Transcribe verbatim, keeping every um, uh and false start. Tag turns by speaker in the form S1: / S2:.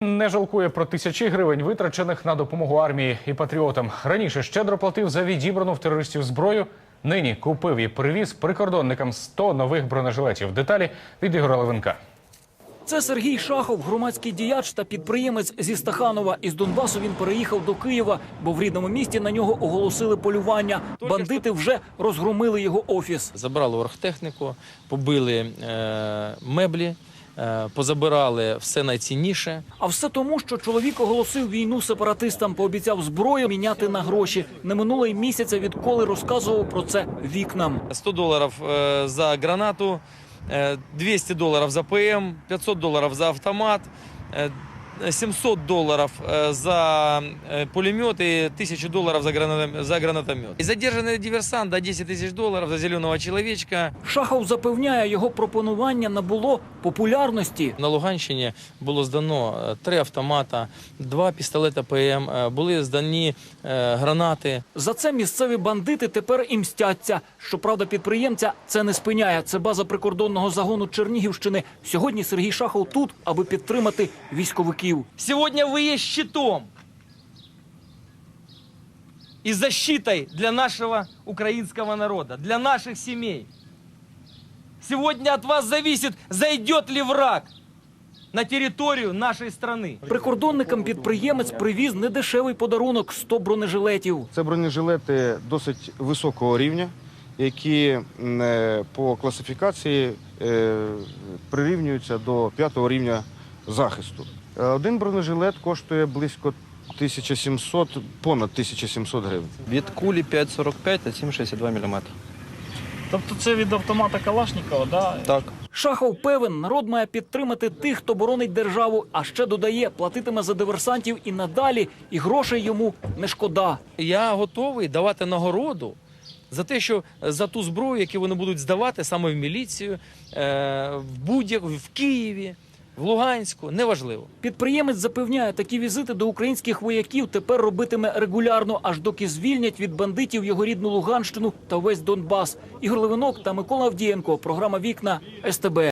S1: Не жалкує про тисячі гривень, витрачених на допомогу армії і патріотам. Раніше щедро платив за відібрану в терористів зброю. Нині купив і привіз прикордонникам сто нових бронежилетів. Деталі від Ігоря Левинка.
S2: Це Сергій Шахов, громадський діяч та підприємець зі Стаханова. Із Донбасу він переїхав до Києва, бо в рідному місті на нього оголосили полювання. Бандити вже розгромили його офіс.
S3: Забрали оргтехніку, побили е, меблі, е, позабирали все найцінніше.
S2: А все тому, що чоловік оголосив війну сепаратистам, пообіцяв зброю міняти на гроші. Не минуло й місяця, відколи розказував про це вікнам.
S3: сто доларів е, за гранату, двести долларов за ПМ, пятьсот долларов за автомат, семьсот долларов за пулемет и тысячу долларов за, гранатомет, за гранатомет. И задержанный диверсант до десять тысяч долларов за зеленого человечка.
S2: Шахов запевняє, його пропонування набуло популярності.
S3: На Луганщині було здано три автомата, два пістолета ПМ, були здані гранати.
S2: За це місцеві бандити тепер і мстяться. Щоправда, підприємця це не спиняє. Це база прикордонного загону Чернігівщини. Сьогодні Сергій Шахов тут, аби підтримати військовиків.
S3: Сегодня вы есть щитом и защитой для нашего украинского народа, для наших семей. Сегодня от вас зависит, зайдет ли враг на територію нашої країни.
S2: Прикордонникам підприємець привіз недешевий подарунок – сто бронежилетів.
S4: Це бронежилети досить високого рівня, які по класифікації прирівнюються до п'ятого рівня захисту. Один бронежилет коштує близько тисяча сімсот, понад тисяча сімсот гривень.
S5: Від кулі п'ять сорок п'ять та сім шістдесят два міліметри.
S6: Тобто це від автомата Калашникова, да?
S5: Так.
S2: Шахов певен, народ має підтримати тих, хто боронить державу, а ще додає, платитиме за диверсантів і надалі, і грошей йому не шкода.
S3: Я готовий давати нагороду за те, що за ту зброю, яку вони будуть здавати саме в міліцію, в будь-як в Києві, в Луганську, неважливо.
S2: Підприємець запевняє, такі візити до українських вояків тепер робитиме регулярно, аж доки звільнять від бандитів його рідну Луганщину та весь Донбас. Ігор Левинок та Микола Авдієнко. Програма «Вікна» ес те бе.